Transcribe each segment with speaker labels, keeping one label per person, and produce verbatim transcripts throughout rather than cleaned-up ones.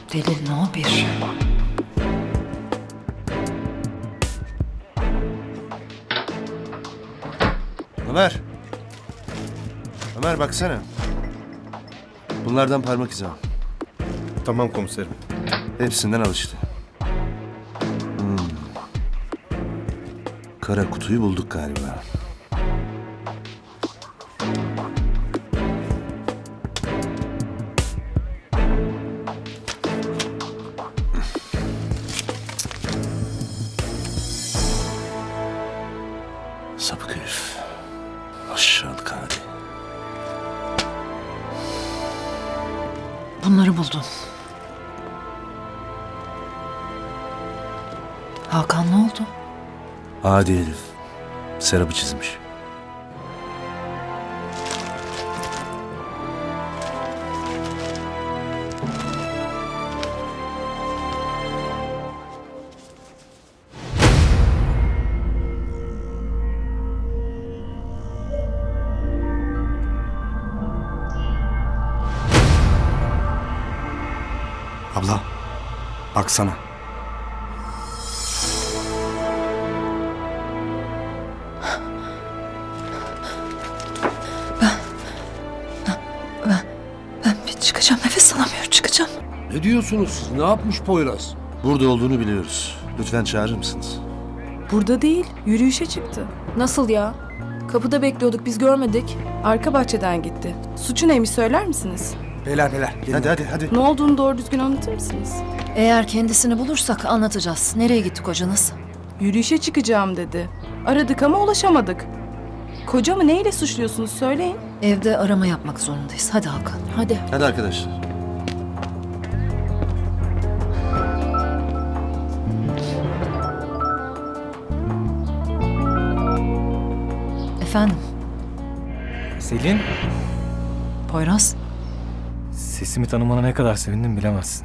Speaker 1: Delil no bir.
Speaker 2: Ömer. Ömer baksana. Bunlardan parmak izi al.
Speaker 3: Tamam komiserim.
Speaker 2: Hepsinden al işte. Hmm. Kara kutuyu bulduk galiba. Sapık herif. Aşağılık hali.
Speaker 1: Bunları buldum. Hakan ne oldu?
Speaker 2: Adi herif. Serap'ı çizmiş.
Speaker 3: Abla, baksana.
Speaker 1: Ben bir çıkacağım, nefes alamıyorum, çıkacağım.
Speaker 4: Ne diyorsunuz siz? Ne yapmış Poyraz?
Speaker 2: Burada olduğunu biliyoruz. Lütfen çağırır mısınız?
Speaker 5: Burada değil, yürüyüşe çıktı.
Speaker 6: Nasıl ya? Kapıda bekliyorduk, biz görmedik.
Speaker 5: Arka bahçeden gitti. Suçu neymiş söyler misiniz?
Speaker 3: Beyler beyler. gelin.
Speaker 2: Hadi hadi hadi.
Speaker 5: Ne olduğunu doğru düzgün anlatır mısınız?
Speaker 1: Eğer kendisini bulursak anlatacağız. Nereye gitti kocanız?
Speaker 5: Yürüyüşe çıkacağım dedi. Aradık ama ulaşamadık. Kocamı neyle suçluyorsunuz söyleyin.
Speaker 1: Evde arama yapmak zorundayız. Hadi Hakan.
Speaker 6: Hadi.
Speaker 2: Hadi arkadaşlar.
Speaker 1: Efendim,
Speaker 7: Selin,
Speaker 1: Poyraz.
Speaker 7: sesimi tanımana ne kadar sevindim bilemezsin.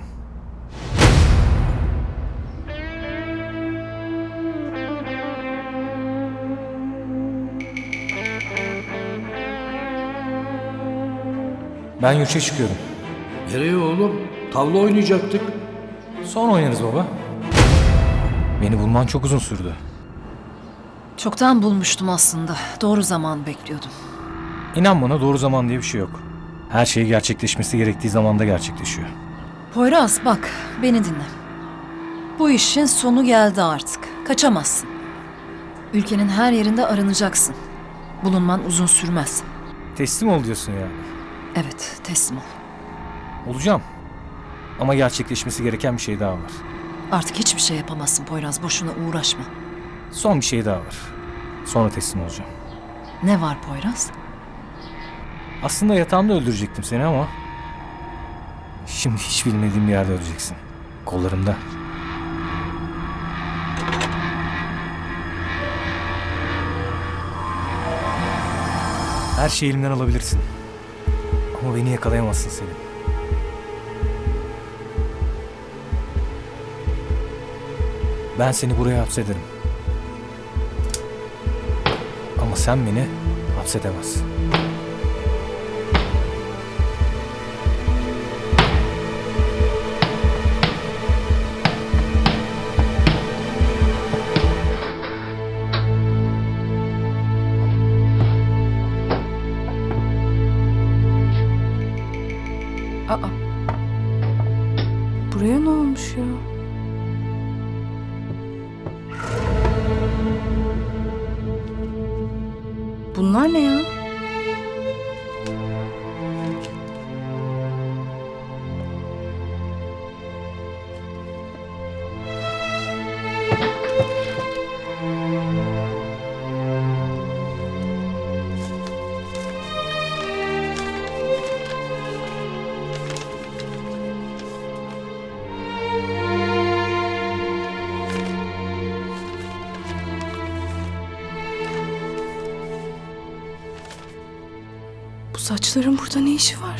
Speaker 7: Ben yurtça çıkıyorum.
Speaker 4: Nereye oğlum? Tavla oynayacaktık.
Speaker 7: Sonra oynarız baba. Beni bulman çok uzun sürdü.
Speaker 1: Çoktan bulmuştum aslında. Doğru zaman bekliyordum.
Speaker 7: İnan bana doğru zaman diye bir şey yok. Her şey gerçekleşmesi gerektiği zamanda gerçekleşiyor.
Speaker 1: Poyraz bak, beni dinle. Bu işin sonu geldi artık. Kaçamazsın. Ülkenin her yerinde aranacaksın. Bulunman uzun sürmez.
Speaker 7: Teslim ol diyorsun ya.
Speaker 1: Evet, teslim ol.
Speaker 7: Olacağım. Ama gerçekleşmesi gereken bir şey daha var.
Speaker 1: Artık hiçbir şey yapamazsın Poyraz. Boşuna uğraşma.
Speaker 7: Son bir şey daha var. Sonra teslim olacağım.
Speaker 1: Ne var Poyraz?
Speaker 7: Aslında yatağımda öldürecektim seni ama... Şimdi hiç bilmediğim bir yerde öleceksin. Kollarımda. Her şeyi elimden alabilirsin. Ama beni yakalayamazsın Selim. Ben seni buraya hapsederim. Ama sen beni hapsedemezsin.
Speaker 5: Aa. Buraya ne olmuş ya? Bunlar ne ya? Bu saçların burada ne işi var?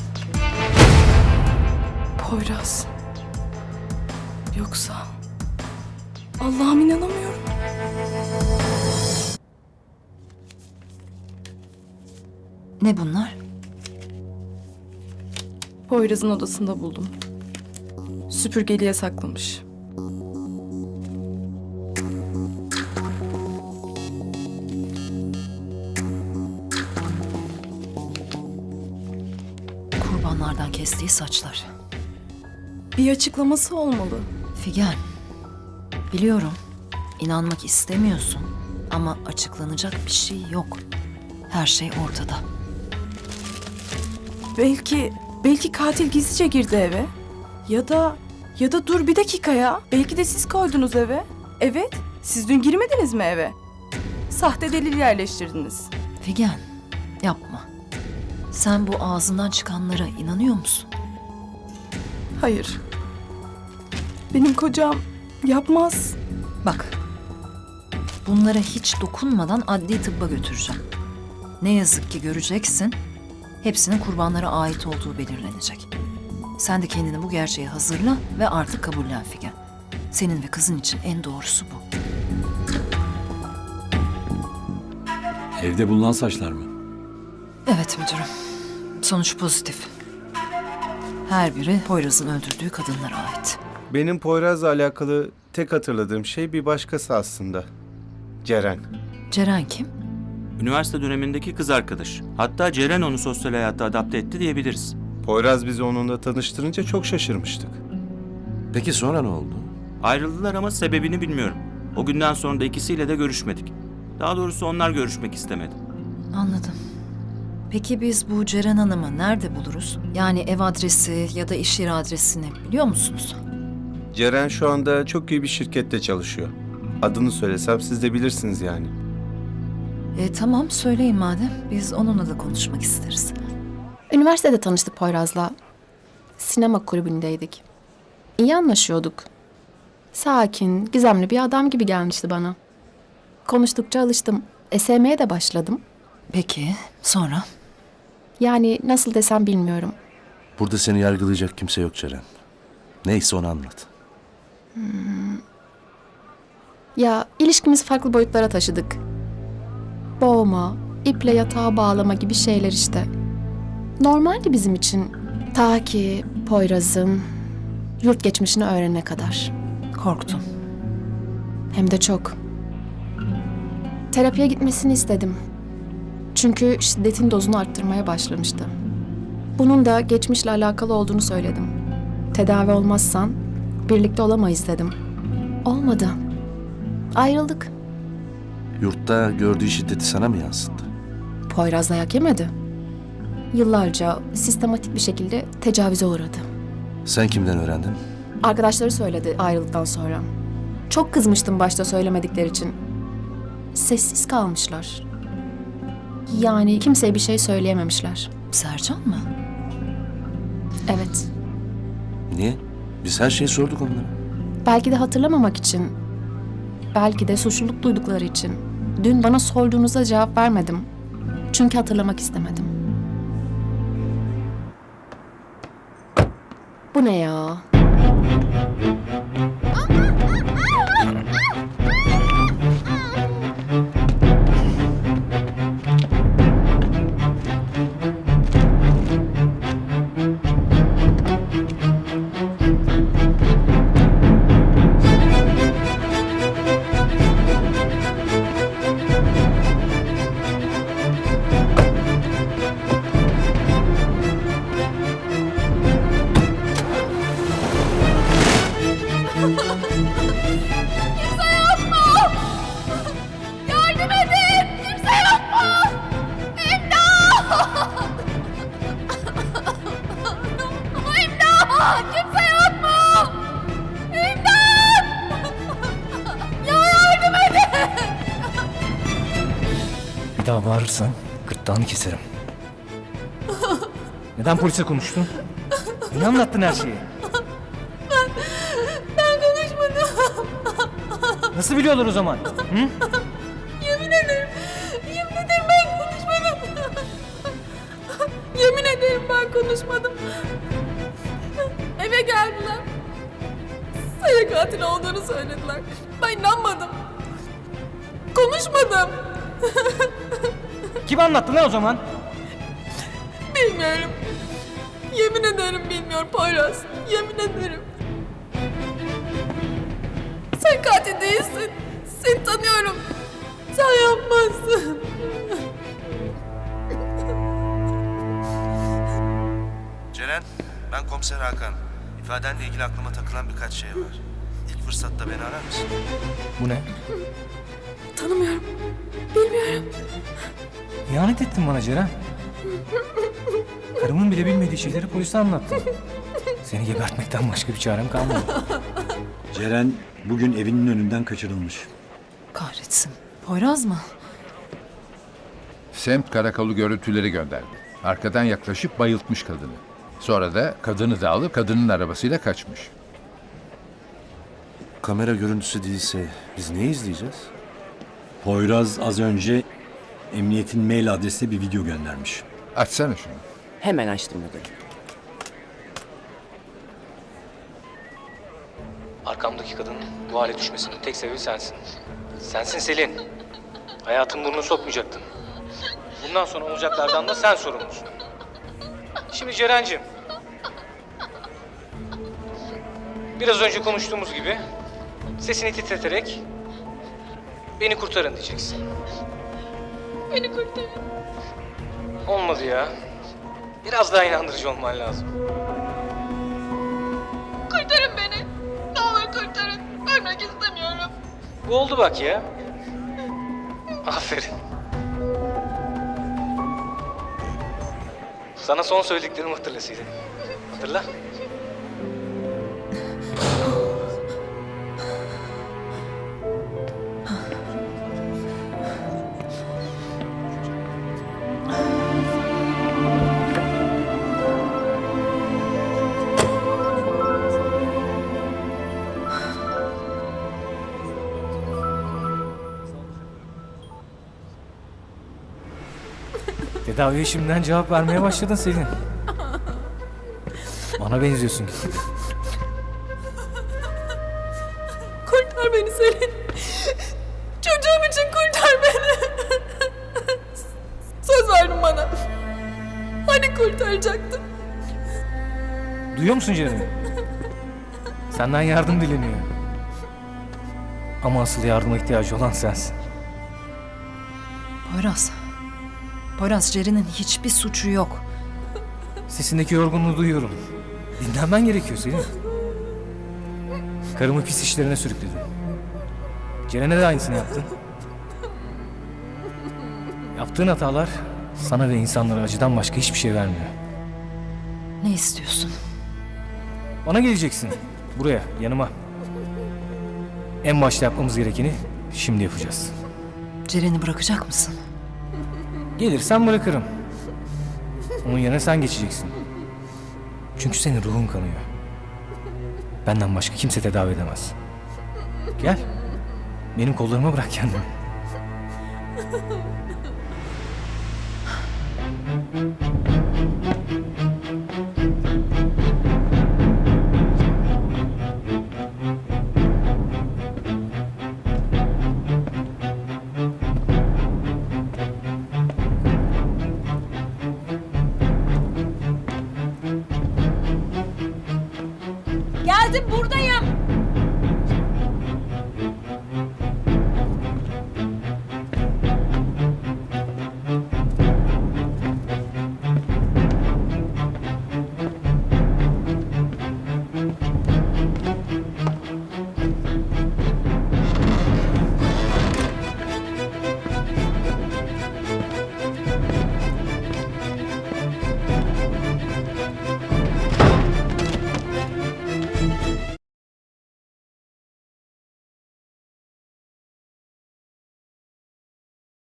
Speaker 5: Poyraz. Yoksa... Allah'ım inanamıyorum.
Speaker 1: Ne bunlar?
Speaker 5: Poyraz'ın odasında buldum. Süpürgeliğe saklamış.
Speaker 1: Kurbanlardan kestiği saçlar.
Speaker 5: Bir açıklaması olmalı.
Speaker 1: Figen, biliyorum inanmak istemiyorsun ama açıklanacak bir şey yok. Her şey ortada.
Speaker 5: Belki, belki katil gizlice girdi eve. Ya da, ya da dur bir dakika ya. Belki de siz koydunuz eve. Evet, siz dün girmediniz mi eve? Sahte delil yerleştirdiniz.
Speaker 1: Figen, yapma. Sen bu ağzından çıkanlara inanıyor musun?
Speaker 5: Hayır. Benim kocam yapmaz.
Speaker 1: Bak, bunlara hiç dokunmadan adli tıbba götüreceğim. Ne yazık ki göreceksin, hepsinin kurbanlara ait olduğu belirlenecek. Sen de kendini bu gerçeğe hazırla ve artık kabullen Figen. Senin ve kızın için en doğrusu bu.
Speaker 8: Evde bulunan saçlar mı?
Speaker 1: Evet müdürüm. Sonuç pozitif. Her biri Poyraz'ın öldürdüğü kadınlara ait.
Speaker 3: Benim Poyraz'la alakalı tek hatırladığım şey bir başkası aslında. Ceren.
Speaker 1: Ceren kim?
Speaker 9: Üniversite dönemindeki kız arkadaş. Hatta Ceren onu sosyal hayata adapte etti diyebiliriz.
Speaker 3: Poyraz bizi onunla tanıştırınca çok şaşırmıştık.
Speaker 2: Peki sonra ne oldu?
Speaker 9: Ayrıldılar ama sebebini bilmiyorum. O günden sonra da ikisiyle de görüşmedik. Daha doğrusu onlar görüşmek istemedi.
Speaker 1: Anladım. Peki biz bu Ceren Hanım'ı nerede buluruz? Yani ev adresi ya da iş yeri adresini biliyor musunuz?
Speaker 3: Ceren şu anda çok iyi bir şirkette çalışıyor. Adını söylesem siz de bilirsiniz yani.
Speaker 1: E tamam söyleyin madem. Biz onunla da konuşmak isteriz.
Speaker 10: Üniversitede tanıştık Poyraz'la. Sinema kulübündeydik. İyi anlaşıyorduk. Sakin, gizemli bir adam gibi gelmişti bana. Konuştukça alıştım. E, sevmeye de başladım.
Speaker 1: Peki sonra?
Speaker 10: Yani nasıl desem bilmiyorum.
Speaker 2: Burada seni yargılayacak kimse yok Ceren. Neyse onu anlat.
Speaker 10: Ya ilişkimizi farklı boyutlara taşıdık. Boğma, iple yatağa bağlama gibi şeyler işte. Normaldi bizim için. Ta ki Poyraz'ın yurt geçmişini öğrenene kadar.
Speaker 1: Korktum.
Speaker 10: Hem de çok. Terapiye gitmesini istedim. Çünkü şiddetin dozunu arttırmaya başlamıştı. Bunun da geçmişle alakalı olduğunu söyledim. Tedavi olmazsan birlikte olamayız dedim. Olmadı. Ayrıldık.
Speaker 2: Yurtta gördüğü şiddeti sana mı yansıttı?
Speaker 10: Poyraz dayak yemedi. Yıllarca sistematik bir şekilde tecavüze uğradı.
Speaker 2: Sen kimden öğrendin?
Speaker 10: Arkadaşları söyledi ayrıldıktan sonra. Çok kızmıştım başta söylemedikleri için. Sessiz kalmışlar. Yani kimseye bir şey söyleyememişler.
Speaker 1: Sercan mı?
Speaker 10: Evet.
Speaker 2: Niye? Biz her şeyi sorduk onlara.
Speaker 10: Belki de hatırlamamak için. Belki de suçluluk duydukları için. Dün bana sorduğunuzda cevap vermedim. Çünkü hatırlamak istemedim. Bu ne ya?
Speaker 7: Bir daha bağırırsan gırtlağını keserim. Neden polise konuştun? Niye anlattın her şeyi?
Speaker 6: Ben, ben konuşmadım.
Speaker 7: Nasıl biliyorlar o zaman? Hı?
Speaker 6: Yemin ederim. Yemin ederim ben konuşmadım. Yemin ederim ben konuşmadım. Eve geldiler. Sayı Cemile katil olduğunu söylediler. Ben inanmadım. Konuşmadım.
Speaker 7: Kim anlattı lan o zaman?
Speaker 6: Bilmiyorum. Yemin ederim bilmiyorum Poyraz. Yemin ederim. Sen katil değilsin. Seni tanıyorum. Sen yapmazsın.
Speaker 2: Ceren, ben komiser Hakan. İfadenle ilgili aklıma takılan birkaç şey var. İlk fırsatta beni arar mısın?
Speaker 7: Bu ne?
Speaker 6: Tanımıyorum. Bilmiyorum.
Speaker 7: İhanet ettin bana Ceren. Karımın bile bilmediği şeyleri polise anlattın. Seni gebertmekten başka bir çarem kalmadı.
Speaker 8: Ceren bugün evinin önünden kaçırılmış.
Speaker 1: Kahretsin. Poyraz mı?
Speaker 11: Semt karakolu görüntüleri gönderdi. Arkadan yaklaşıp bayıltmış kadını. Sonra da kadını da alıp kadının arabasıyla kaçmış.
Speaker 2: Kamera görüntüsü değilse biz ne izleyeceğiz?
Speaker 8: Poyraz az önce emniyetin mail adresine bir video göndermiş.
Speaker 11: Açsana şunu.
Speaker 12: Hemen açtım müdürüm.
Speaker 7: Arkamdaki kadının bu hale düşmesinin tek sebebi sensin. Sensin Selin. Hayatın burnunu sokmayacaktın. Bundan sonra olacaklardan da sen sorumlusun. Şimdi Ceren'cim. Biraz önce konuştuğumuz gibi sesini titreterek beni kurtarın diyeceksin.
Speaker 6: Beni kurtarın.
Speaker 7: Olmadı ya. Biraz daha inandırıcı olman lazım.
Speaker 6: Kurtarın beni. Ne olur kurtarın. Ölmek istemiyorum.
Speaker 7: Bu oldu bak ya. Aferin. Sana son söylediklerimi hatırlasıydın. Hatırla. Tedaviye şimdiden cevap vermeye başladın Selin. Bana benziyorsun.
Speaker 6: Kurtar beni Selin. Çocuğum için kurtar beni. Söz verdin bana. Hani kurtaracaktın?
Speaker 7: Duyuyor musun Ceren'i? Senden yardım dileniyor. Ama asıl yardıma ihtiyacı olan sensin.
Speaker 1: Poyraz. Poyraz, Ceren'in hiçbir suçu yok.
Speaker 7: Sesindeki yorgunluğu duyuyorum. Dinlenmen gerekiyor Selin. Karımı pis işlerine sürükledin. Ceren'e de aynısını yaptın. Yaptığın hatalar sana ve insanlara acıdan başka hiçbir şey vermiyor.
Speaker 1: Ne istiyorsun?
Speaker 7: Bana geleceksin. Buraya, yanıma. En başta yapmamız gerekeni şimdi yapacağız.
Speaker 1: Ceren'i bırakacak mısın?
Speaker 7: Gelirsen bırakırım. Onun yerine sen geçeceksin. Çünkü senin ruhun kanıyor. Benden başka kimse tedavi edemez. Gel. Benim kollarıma bırak kendini.
Speaker 6: Geldim buradayım.